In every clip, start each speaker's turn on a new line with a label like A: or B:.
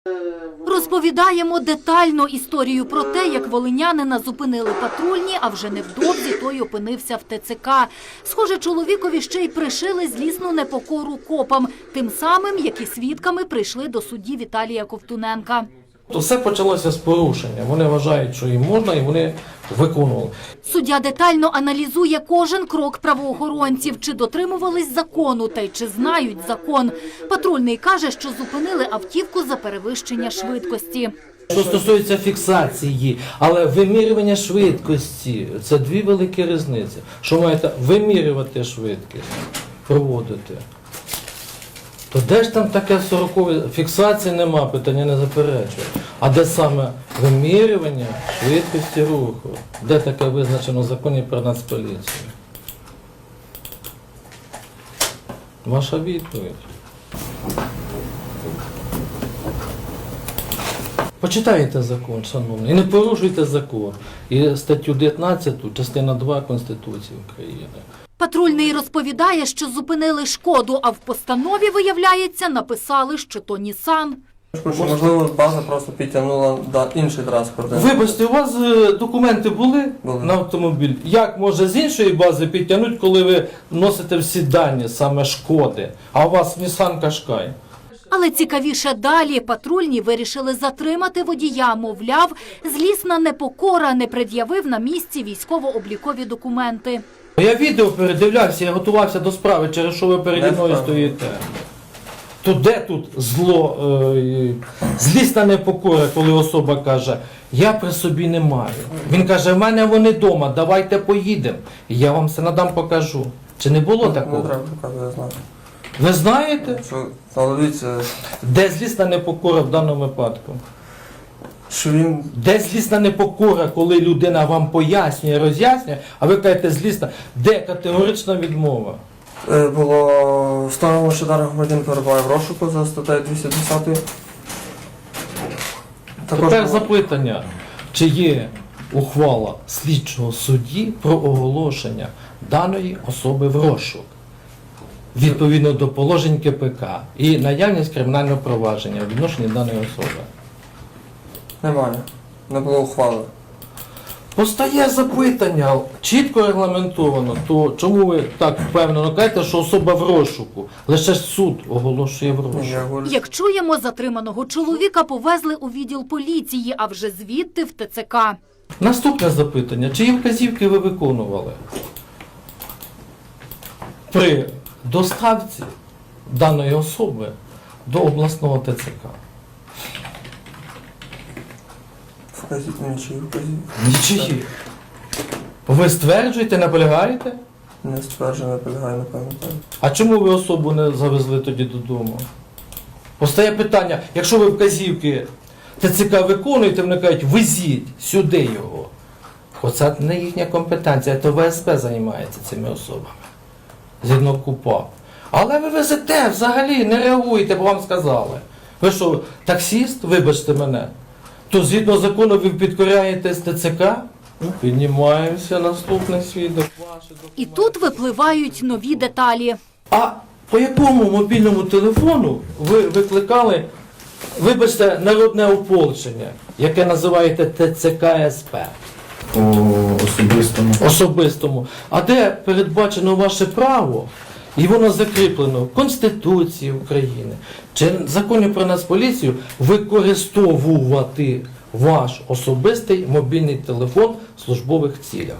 A: Розповідаємо детально історію про те, як волинянина зупинили патрульні, а вже невдовзі той опинився в ТЦК. Схоже, чоловікові ще й пришили злісну непокору копам, тим самим, як і свідками прийшли до судді Віталія Ковтуненка.
B: То все почалося з порушення. Вони вважають, що їм можна, і вони виконували.
A: Суддя детально аналізує кожен крок правоохоронців, чи дотримувались закону та й чи знають закон. Патрульний каже, що зупинили автівку за перевищення швидкості.
B: Що стосується фіксації, але вимірювання швидкості – це дві великі різниці. Що маєте вимірювати швидкість, проводити. То де ж там таке 40-ве? Фіксації нема, питання не заперечує. А де саме вимірювання швидкості руху? Де таке визначено в законі про Нацполіцію? Ваша відповідь. Почитайте закон, шановні, і не порушуйте закон. І статтю 19, частина 2 Конституції України.
A: Патрульний розповідає, що зупинили «Шкоду», а в постанові, виявляється, написали, що то «Нісан».
C: Можливо, база просто підтягнула інший транспорт.
B: Вибачте, у вас документи були на автомобіль? Як може з іншої бази підтягнути, коли ви носите всі дані, саме «Шкоди», а у вас Nissan Qashqai?
A: Але цікавіше далі. Патрульні вирішили затримати водія. Мовляв, злісна непокора, не пред'явив на місці військово-облікові документи.
B: Я відео передивлявся, я готувався до справи, через що ви переді мною стоїте. То де тут зло, злісна непокора, коли особа каже, я при собі не маю. Він каже, в мене вони вдома, давайте поїдемо. І я вам все надам покажу. Чи не було такого?
C: Не треба показувати, я знаю.
B: Ви знаєте?
C: Але дивіться,
B: Де злісна непокора в даному випадку?
C: що він...
B: Де злісна непокора, коли людина вам пояснює, роз'яснює, а ви кажете злісна? Де категорична відмова?
C: Було встановлено, що даний громадянин перебуває в розшуку за статтею 210.
B: Тепер запитання, чи є ухвала слідчого судді про оголошення даної особи в розшук відповідно до положень КПК і наявність кримінального провадження у відношенні даної особи?
C: Немає. Не було ухвали.
B: Постає запитання, чітко регламентовано, то чому ви так впевнено кажете, що особа в розшуку? Лише суд оголошує в розшук.
A: Як чуємо, затриманого чоловіка повезли у відділ поліції, а вже звідти в ТЦК.
B: Наступне запитання, чиї вказівки ви виконували при доставці даної особи до обласного ТЦК?
C: Нічиї вказівки.
B: Нічиї. Ви стверджуєте, наполягаєте?
C: Не стверджено, не полягає, не пам'ятаю.
B: А чому ви особу не завезли тоді додому? Постає питання, якщо ви вказівки ТЦК виконуєте, вони кажуть, везіть сюди його. Оце не їхня компетенція, то ВСП займається цими особами. Згідно КУПАП. Але ви везете, взагалі не реагуєте, бо вам сказали. Ви що, таксіст, вибачте мене, то згідно закону ви підкоряєтесь ТЦК? Піднімаємося, наступний свідок.
A: І тут випливають нові деталі.
B: А по якому мобільному телефону ви викликали, вибачте, народне ополчення, яке називаєте ТЦК СП?
D: По особистому.
B: Особистому. А де передбачено ваше право, і воно закріплено в Конституції України, чи в Законі про Нацполіцію, використовувати ваш особистий мобільний телефон в службових цілях?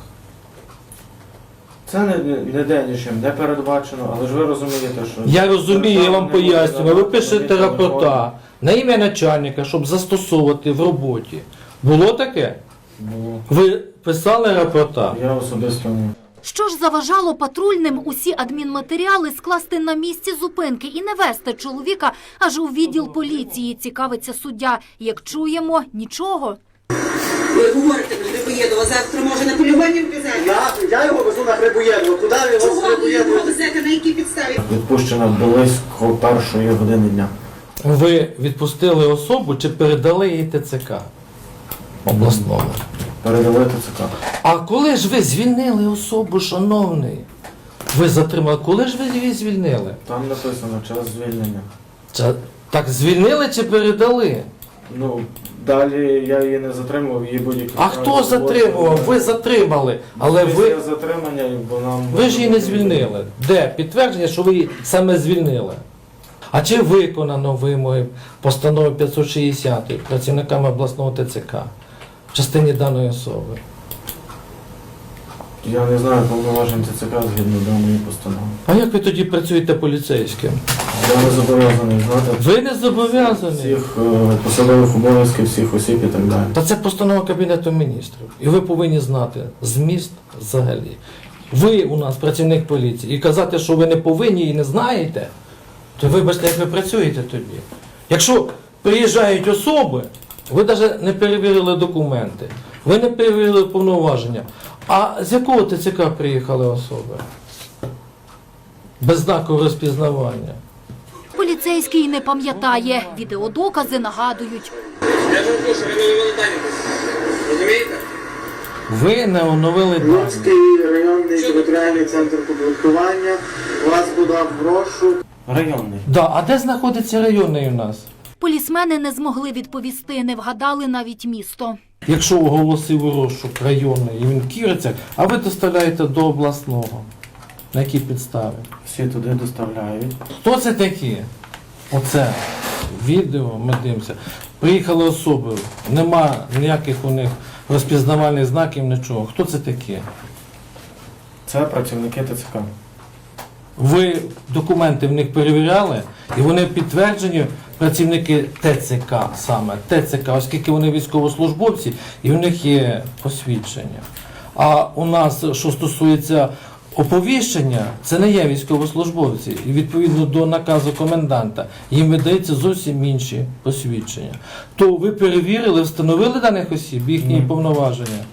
D: Це не де нічим, не передбачено, але ж ви розумієте, що...
B: Я розумію, я вам пояснюю. Ви пишете рапорта на ім'я начальника, щоб застосовувати в роботі. Було таке?
D: Було.
B: Ви писали рапорта?
D: Я особисто не.
A: Що ж заважало патрульним усі адмінматеріали скласти на місці зупинки і не вести чоловіка аж у відділ поліції, цікавиться суддя. Як чуємо, нічого.
E: Ви говорите про Грибоєдова, завтра може на полювання вказати?
F: Я його везу на Грибоєдова. Куди ви його з
E: Чого ви
F: Грибоєдова?
E: його везете, на якій підставі?
D: Відпущено близько 1-ї години дня.
B: Ви відпустили особу чи передали їй ТЦК обласного?
D: Передали ТЦК.
B: А коли ж ви звільнили особу, шановний? Ви затримали, коли ж ви її звільнили?
D: Там написано час звільнення.
B: Так звільнили чи передали?
D: Ну, далі я її не затримував, її будь-які...
B: А хто затримував? Ви затримали. Але
D: Після
B: ви,
D: затримання, бо нам...
B: ви ж її не звільнили. Де підтвердження, що ви її саме звільнили? А чи виконано вимоги постанови 560 працівниками обласного ТЦК в частині даної особи?
D: Я не знаю повноважень ТЦК згідно даної постанови.
B: А як ви тоді працюєте поліцейським?
D: Я не зобов'язаний знати
B: Ви не зобов'язані.
D: всіх посадових обов'язків, всіх осіб і так далі.
B: Та це постанова Кабінету міністрів. І ви повинні знати зміст взагалі. Ви у нас працівник поліції. І казати, що ви не повинні і не знаєте, то вибачте, як ви працюєте тоді. Якщо приїжджають особи, ви навіть не перевірили документи, ви не перевірили повноваження. А з якого ТЦК приїхали особи? Без знаку розпізнавання.
A: Поліцейський не пам'ятає. Відеодокази нагадують.
G: Я ж вам кажу, ви не вивели дані. Розумієте?
B: Ви не оновили дані.
F: Луцький районний територіальний центр комплектування вас подав в розшук.
D: Районний.
B: Да, а де знаходиться районний у нас?
A: Полісмени не змогли відповісти, не вгадали навіть місто.
B: Якщо оголосив розшук районний і він кіриться, а ви доставляєте до обласного. На якій підставі?
D: Всі туди доставляють.
B: Хто це такі? Оце відео ми дивимося. Приїхали особи, нема ніяких у них розпізнавальних знаків, нічого. Хто це такі?
D: Це працівники ТЦК.
B: Ви документи в них перевіряли, і вони підтверджені, працівники ТЦК саме, ТЦК, оскільки вони військовослужбовці, і в них є посвідчення. А у нас, що стосується оповіщення, це не є військовослужбовці. І відповідно до наказу коменданта їм видаються зовсім інші посвідчення. То ви перевірили, встановили даних осіб, їхні повноваження?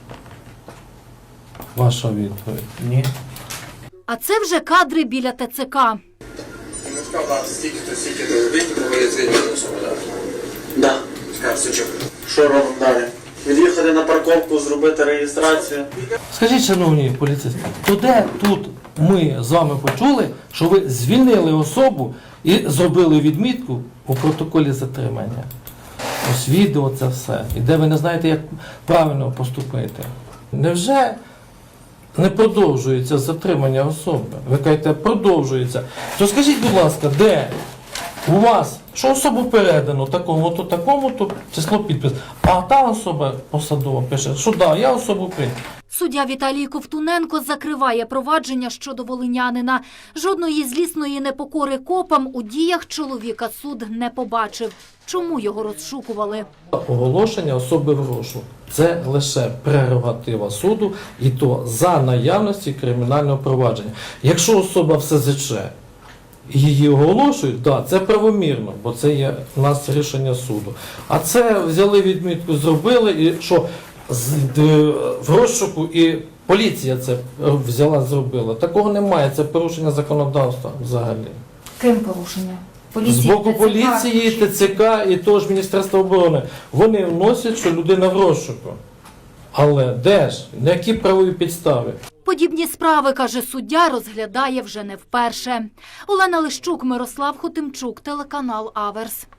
B: Ваша відповідь.
D: Ні.
A: А це вже кадри біля ТЦК.
G: Тому сказав, стільки-то робіть, проводять звільнення особи, так?
F: Да.
G: Скажете, чому?
F: Що робимо далі? Від'їхати на парковку, зробити реєстрацію.
B: Скажіть, шановні поліцейські, то де тут ми з вами почули, що ви звільнили особу і зробили відмітку у протоколі затримання? Ось відео це все. І де ви не знаєте, як правильно поступити. Невже не продовжується затримання особи? Ви кажете, продовжується. То скажіть, будь ласка, де у вас, що особу передано такому-то число підпис, а та особа посадова пише, що да, я особу прийняв.
A: Суддя Віталій Ковтуненко закриває провадження щодо волинянина. Жодної злісної непокори копам у діях чоловіка суд не побачив. Чому його розшукували?
B: Оголошення особи в розшук – це лише прерогатива суду, і то за наявності кримінального провадження. Якщо особа в СЗЧ і її оголошують, да, це правомірно, бо це є у нас рішення суду. А це взяли відмітку, зробили, і що в розшуку і поліція це взяла, зробила. Такого немає, це порушення законодавства взагалі.
H: Ким порушення?
B: З боку поліції, ТЦК і того ж Міністерства оборони. Вони вносять, що людина в розшуку. Але де ж? На які правові підстави?
A: Подібні справи, каже суддя, розглядає вже не вперше. Олена Лищук, Мирослав Хотимчук, телеканал Аверс.